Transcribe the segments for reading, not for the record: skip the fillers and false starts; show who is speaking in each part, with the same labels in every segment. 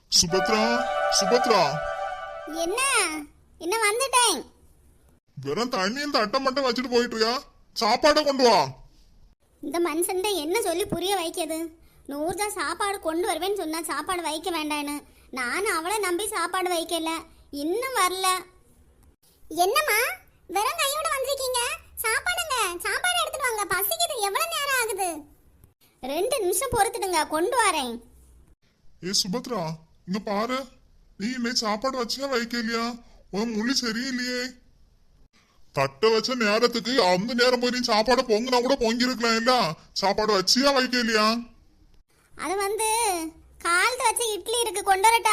Speaker 1: சுபத்ரா, சுபத்ரா,
Speaker 2: என்ன என்ன வந்துட்டேன்.
Speaker 1: வெறும் தண்ணி இந்த அட்டை மட்டும் வச்சுட்டு போயிட்டுருயா. சாப்பாடை கொண்டு வா.
Speaker 2: இந்த மனுஷன் என்ன சொல்லி புரிய வைக்கிறது? நூறுதா சாப்பாடு கொண்டு வருவேன்னு சொன்னா சாப்பாடு வைக்க வேண்டான்னு. நானும் அவளை நம்பி சாப்பாடு வைக்கல, இன்னும் வரல. என்னம்மா வெறும் கையோட வந்திருக்கீங்க? சாப்பாடுங்க, சாப்பாடு எடுத்துட்டு வாங்க, பசிக்குது. எவ்வளவு நேரம் ஆகுது? 2 நிமிஷம் பொறுத்துடுங்க, கொண்டு வரேன்.
Speaker 1: ஏ சுபத்ரா, இங்க பாரு. நீ இன்னைக்கு சாப்பாடு வச்சியா வைக்கலையா? உன் மொழி சரியில்லையே. தட்டை வச்ச நேரத்துக்கு அந்த நேரம் போய் நீ சாப்பாடு பொங்கினா கூட பொங்கி இருக்கலாம் இல்ல? சாப்பாடு வச்சியா வைக்கலையா?
Speaker 2: அது காலத்து வச்ச இட்லி இருக்கு, கொண்டு வரட்டா?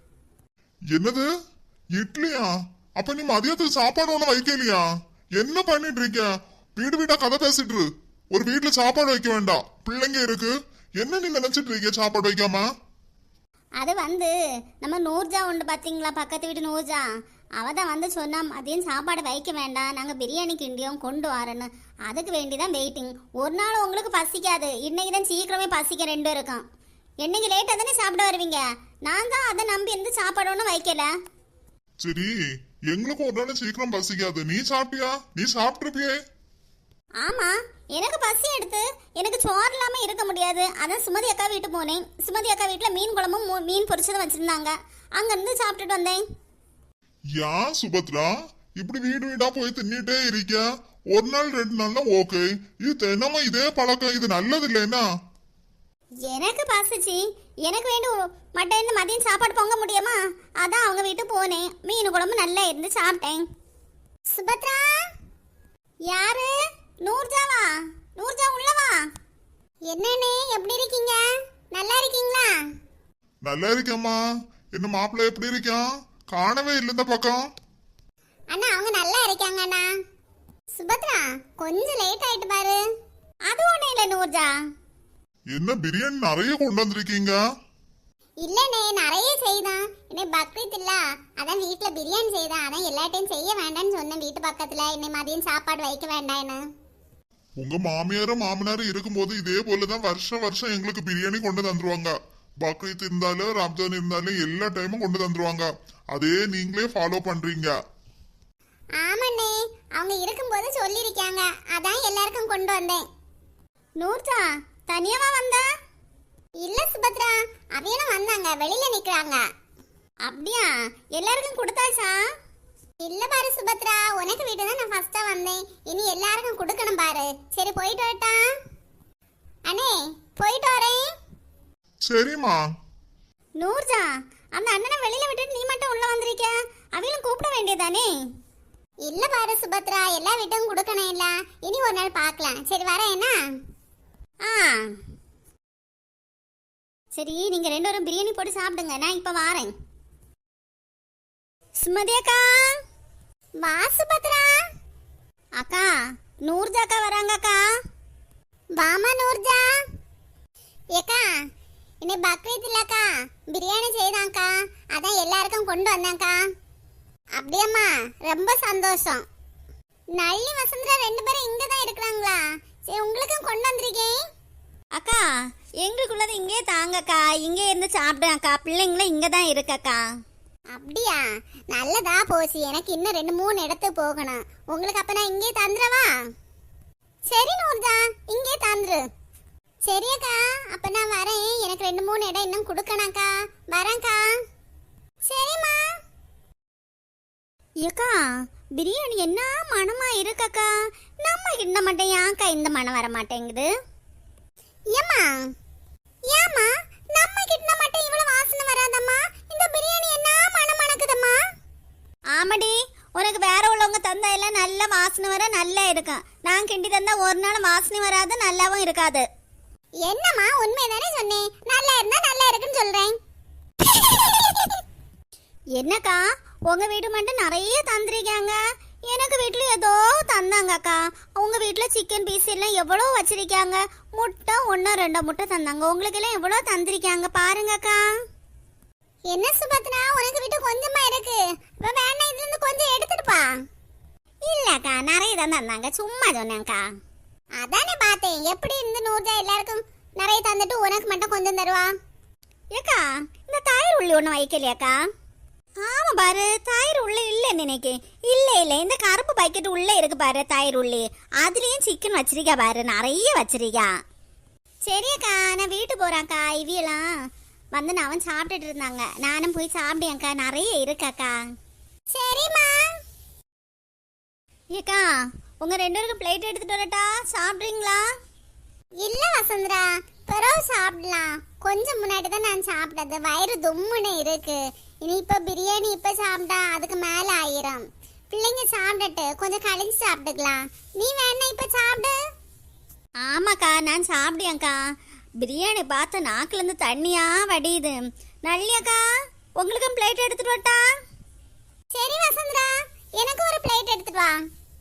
Speaker 1: என்னது இட்லியா? அப்ப நீ மதியத்துக்கு சாப்பாடு ஒண்ணு வைக்கலையா? என்ன பண்ணிட்டு இருக்க? வீடு வீடா கதை பேசிட்டு இரு. ஒரு வீட்டுல சாப்பாடு வைக்க வேண்டாம், பிள்ளைங்க இருக்கு. என்ன நீ நினைச்சிட்டு இருக்க சாப்பாடு வைக்காம?
Speaker 2: அது நம்ம நூர்ஜா உண்டு பாத்தீங்களா, பக்கத்து வீட்டு நூர்ஜா. அவ தான் சொன்னா மதியம் சாப்பாடு வைக்க வேண்டாம், நாங்கள் பிரியாணி கிண்டியோம் கொண்டு வரேன்னு. அதுக்கு வேண்டிதான் வெயிட்டிங். ஒரு நாள் உங்களுக்கு பசிக்காது, இன்னைக்கு தான் சீக்கிரமே பசிக்க 2 இருக்கும். என்னைக்கு லேட்டாக தானே சாப்பிட வருவீங்க. நான் தான் அதை நம்பி இருந்து சாப்பாடு ஒன்றும் வைக்கல.
Speaker 1: சரி, எங்களுக்கு ஒரு நாள் சீக்கிரம் பசிக்காது. நீ சாப்பிட்டியா? நீ சாப்பிட்டுருப்பியே.
Speaker 2: ஆமா, எனக்கு பசி எடுத்து எனக்கு சோறு இல்லாம இருக்க முடியாது. அதான் சுமதி அக்கா வீட்டு போனேன். சுமதி அக்கா வீட்டுல மீன் குழம்பும் மீன் பொரிச்சதும் வச்சிருந்தாங்க, அங்க இருந்து சாப்பிட்டுட்டு வந்தேன்.
Speaker 1: யா சுபத்ரா, இப்படி வீடு வீடா போய் தின்னிட்டே இருக்க. ஒரு நாள் 2 நாள்னா ஓகே. இது தினமும் இதே பழக்கம், இது நல்லது இல்லைன்னா?
Speaker 2: எனக்கு பசிச்சு எனக்கு வேண்டும் மட்டும் இந்த மதியம் சாப்பாடு பொங்க முடியுமா? அதான் அவங்க வீட்டு போனேன். மீன் குழம்பு நல்லா இருந்து சாப்பிட்டேன். சுபத்ரா, யாரு? நூர்ஜாவா? நூர்ஜா உள்ளவா? என்னன்னு எப்படி இருக்கீங்க? நல்லா இருக்கீங்களா?
Speaker 1: நல்லா இருக்கேம்மா. என்ன மாப்பிள்ளை எப்படி இருக்கான்? காணவே இல்லை இந்த பக்கம்.
Speaker 2: அண்ணா அவங்க நல்லா இருக்காங்க அண்ணா. சுபத்ரா, கொஞ்சம் லேட் ஆயிட்டு பாரு. அது ஒண்ணு இல்ல நூர்ஜா.
Speaker 1: என்ன பிரியாணி நிறைய கொண்டு வந்திருக்கீங்க?
Speaker 2: இல்லனே, நிறைய செய்தான். இன்னை பக்ரீத் இல்ல, அதான் வீட்டுல பிரியாணி செய்தான். அதான் எல்லா டைம் செய்ய வேண்டாம்னு சொன்னேன் வீட்டு பக்கத்துல. இன்னை மதியம் சாப்பாடு வைக்க வேண்டாம்னு.
Speaker 1: உங்க மாமியாரும் மாமனாரும் இருக்கும்போது இதே போலதான் வருஷம் வருஷம் எங்களுக்கு பிரியாணி கொண்டு தந்துருவாங்க. பக்ரீத் இருந்தாலும் ரம்ஜான் இருந்தாலும் எல்லா டைமும் கொண்டு தந்துருவாங்க. அதே நீங்களே ஃபாலோ பண்றீங்க.
Speaker 2: ஆமாண்ணே, அவங்க இருக்கும்போது சொல்லிருக்காங்க, அதான் எல்லாருக்கும் கொண்டு வந்தேன். நூர்ஜா தனியாவா வந்தா? இல்ல சுபத்ரா, அவையெல்லாம் வந்தாங்க, வெளியில நிக்கிறாங்க. அப்படியா? எல்லாருக்கும் கொடுத்தாச்சா? இல்ல பாரு சுபத்ரா, உனக்கு வீட்டு தான் நான் ஃபர்ஸ்டா வந்தேன். இனி எல்லாருக்கும் கொடுக்கணும் பாரு. சரி போயிட்டு வரட்டா? அண்ணே போயிட்டு வரேன்.
Speaker 1: சரிம்மா.
Speaker 2: நூர்ஜா, அந்த அண்ணனை வெளியில விட்டுட்டு நீ மட்டும் உள்ள வந்திருக்க. அவையும் கூப்பிட வேண்டியதானே? இல்ல பாரு சுபத்ரா, எல்லா வீட்டும் கொடுக்கணும் இல்ல. இனி ஒரு நாள் பார்க்கலாம். சரி வரேன் என்ன? சரி, நீங்க 2 பேரும் பிரியாணி போட்டு சாப்பிடுங்க, நான் இப்ப வாரேன். சுமதி அக்கா, வா சுபத்ரா. அக்கா, நூர்ஜா அக்கா வராங்க அக்கா. வாமா நூர்ஜா. ஏக்கா, இன்னை பக்ரீத் இல்லக்கா, பிரியாணி செய்தாங்க்கா, அதான் எல்லாருக்கும் கொண்டு வந்தாங்க்கா. அப்படியம்மா, ரொம்ப சந்தோஷம். நல்லி வசந்தரா 2 பேரும் இங்க தான் இருக்கிறாங்களா? சரி, உங்களுக்கும் கொண்டு வந்திருக்கேன். அக்கா, எங்களுக்குள்ளது இங்கே தாங்கக்கா, இங்கே இருந்து சாப்பிடுங்க அக்கா. பிள்ளைங்களும் இங்க தான் இருக்கக்கா. அப்படியா? நல்லதா போச்சு. எனக்கு இன்னும் 2-3 இடத்துக்கு போகணும். உங்களுக்கு அப்ப நான் இங்கே தந்துடவா? சரி நூர்ஜா, இங்கே தந்துரு. சரியக்கா, அப்ப நான் வரேன். எனக்கு 2-3 இடம் இன்னும் கொடுக்கணாக்கா. வரேன்க்கா. சரிம்மா. ஏக்கா, பிரியாணி என்ன மனமா இருக்கக்கா. நம்ம கிட்ட மட்டும் ஏன்க்கா இந்த மனம் வர மாட்டேங்குது? ஏம்மா ஏம்மா, நம்ம கிட்ட மட்டும் இவ்வளவு வாசனை வராதம்மா. இந்த பிரியாணி என்ன மனம் மணக்குதம்மா. ஆமாடி, உனக்கு வேற உள்ளவங்க தந்தா எல்லாம் நல்ல வாசனை வர நல்லா இருக்கும். நான் கிண்டி தந்தா ஒரு நாள் வாசனை வராது, நல்லாவும் இருக்காது. என்னம்மா, உண்மைதானே சொன்னேன். நல்லா இருந்தா நல்லா இருக்குன்னு சொல்றேன். என்னக்கா, உங்க வீட்டு மட்டும் நிறைய தந்திருக்காங்க. எனக்கு வீட்டுல ஏதோ தந்தாங்கக்கா. உங்க வீட்டுல சிக்கன் பீஸ் எல்லாம் எவ்வளவு வச்சிருக்காங்க. முட்டை 1-2 முட்டை தந்தாங்க. உங்களுக்கு எல்லாம் எவ்வளவு தந்திருக்காங்க பாருங்கக்கா. என்ன சுபத்ரா, உனக்கு வீட்டு கொஞ்சமா இருக்கு. வேணா இதுல இருந்து கொஞ்சம் எடுத்துட்டுப்பா. இல்லக்கா, நிறைய தான் தந்தாங்க, சும்மா சொன்னேன்க்கா. அதானே பார்த்தேன். எப்படி இருந்து நூர்ஜா எல்லாருக்கும் நிறைய தந்துட்டு உனக்கு மட்டும் கொஞ்சம் தருவா? ஏக்கா இந்த தயிர் உள்ளி ஒண்ணு வைக்கலையாக்கா? ஆமா பாரு, தயிர் உள்ள இல்ல நினைக்கு. இல்ல இல்ல, இந்த கருப்பு பாக்கெட் உள்ள இருக்கு பாரு தயிர் உள்ளி. அதுலயும் சிக்கன் வச்சிருக்கா பாரு, நிறைய வச்சிருக்கா. சரியக்கா, நான் வீட்டு போறாக்கா. இவியெல்லாம் வந்து நான் சாப்பிட்டுட்டு இருந்தாங்க, நானும் போய் சாப்பிட்டேன்க்கா. நிறைய இருக்காக்கா. சரிம்மா. ஏக்கா, உங்க 2 பேருக்கு பிளேட் எடுத்துட்டு வரட்டா? சாப்பிட்றீங்களா? இல்ல வசந்தரா, பிறகு சாப்பிடலாம். கொஞ்சம் முன்னாடி தான் நான் சாப்பிட்டது, வயிறு தும்முன்னு இருக்கு. இனி இப்ப பிரியாணி இப்ப சாப்பிட்டா அதுக்கு மேல ஆயிரும். பிள்ளைங்க சாப்பிட்டுட்டு கொஞ்சம் கழிஞ்சு சாப்பிட்டுக்கலாம். நீ வேணா இப்ப சாப்பிடு. ஆமாக்கா, நான் சாப்பிட்டேன்க்கா. பிரியாணி பார்த்து நாக்குல இருந்து தண்ணியா வடியுது. நல்லியாக்கா, உங்களுக்கும் பிளேட் எடுத்துட்டு வரட்டா? சரி வசந்தரா, எனக்கு ஒரு பிளேட் எடுத்துட்டு வா.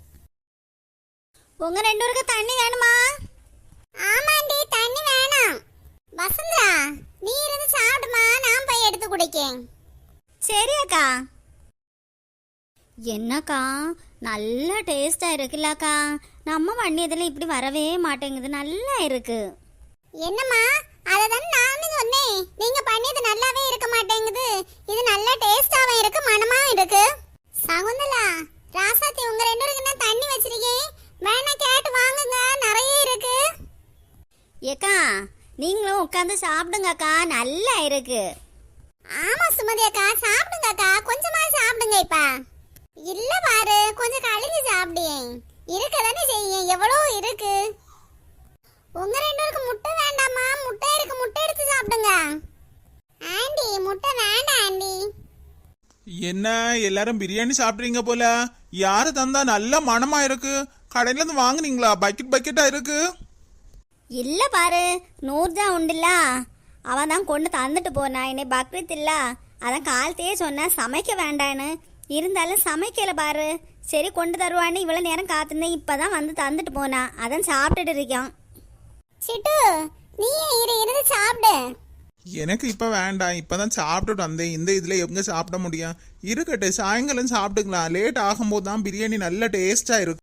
Speaker 2: உங்க 2 பேருக்கு தண்ணி வேணுமா? ஆமாண்டி, தண்ணி வேணும். வசந்தரா, நீ இருந்து சாப்பிடுமா, நான் போய் எடுத்து குடிக்கேன். சரி அக்கா. என்னக்கா, நல்ல டேஸ்டா இருக்குல்லக்கா. நம்ம வண்ணியதுல இப்படி வரவே மாட்டேங்குது, நல்லா இருக்கு. என்னம்மா, அததான் நானும் சொன்னேன், நீங்க பண்ணியது நல்லாவே இருக்க மாட்டேங்குது. இது நல்ல டேஸ்டாவும் இருக்கு, மனமாவும் இருக்கு. சகுந்தலா, ராசாத்தி, உங்க 2 பேருக்கு நான் தண்ணி வச்சிருக்கேன், வேணா கேட்டு வாங்குங்க, நிறைய இருக்கு. ஏக்கா, நீங்களும் உட்காந்து சாப்பிடுங்கக்கா, நல்லா இருக்கு. ஆமா சுமதி அக்கா, சாப்பிடுங்க அக்கா, கொஞ்சமா சாப்பிடுங்க. இப்ப இல்ல பாரு, கொஞ்சம் கழிஞ்சு சாப்பிடுங்க. இருக்கதானே செய்யும், எவ்வளவு இருக்கு. உங்க 2 பேருக்கு முட்டை வேண்டாமா? முட்டை இருக்கு, முட்டை எடுத்து சாப்பிடுங்க. ஆண்டி, முட்டை வேண்டாம் ஆண்டி.
Speaker 3: என்ன எல்லாரும் பிரியாணி சாப்பிட்றீங்க போல? யாரு தந்தா? நல்ல மனமா இருக்கு. கடையில இருந்து வாங்குனீங்களா? பக்கெட் பக்கெட்டா இருக்கு.
Speaker 2: இல்ல பாரு, நூர்ஜா உண்டுல்ல, அவன் தான் கொண்டு தந்துட்டு போனா. என்னை பக்ரீத் இல்ல, அதான் காலத்தையே சொன்ன சமைக்க வேண்டான்னு. இருந்தாலும் சமைக்கல பாரு. சரி கொண்டு தருவான்னு இவ்வளவு நேரம் காத்திருந்தேன், இப்பதான் வந்து தந்துட்டு போனா. அதான் சாப்பிட்டுட்டு இருக்கான். சிட்டு, நீ இருந்து சாப்பிடு.
Speaker 3: எனக்கு இப்ப வேண்டாம், இப்பதான் சாப்பிட்டுட்டு வந்தேன். இந்த இதுல எங்க சாப்பிட முடியும்? இருக்கட்டும், சாயங்காலம் சாப்பிட்டுக்கலாம். லேட் ஆகும்போது தான் பிரியாணி நல்ல டேஸ்டா இருக்கும்.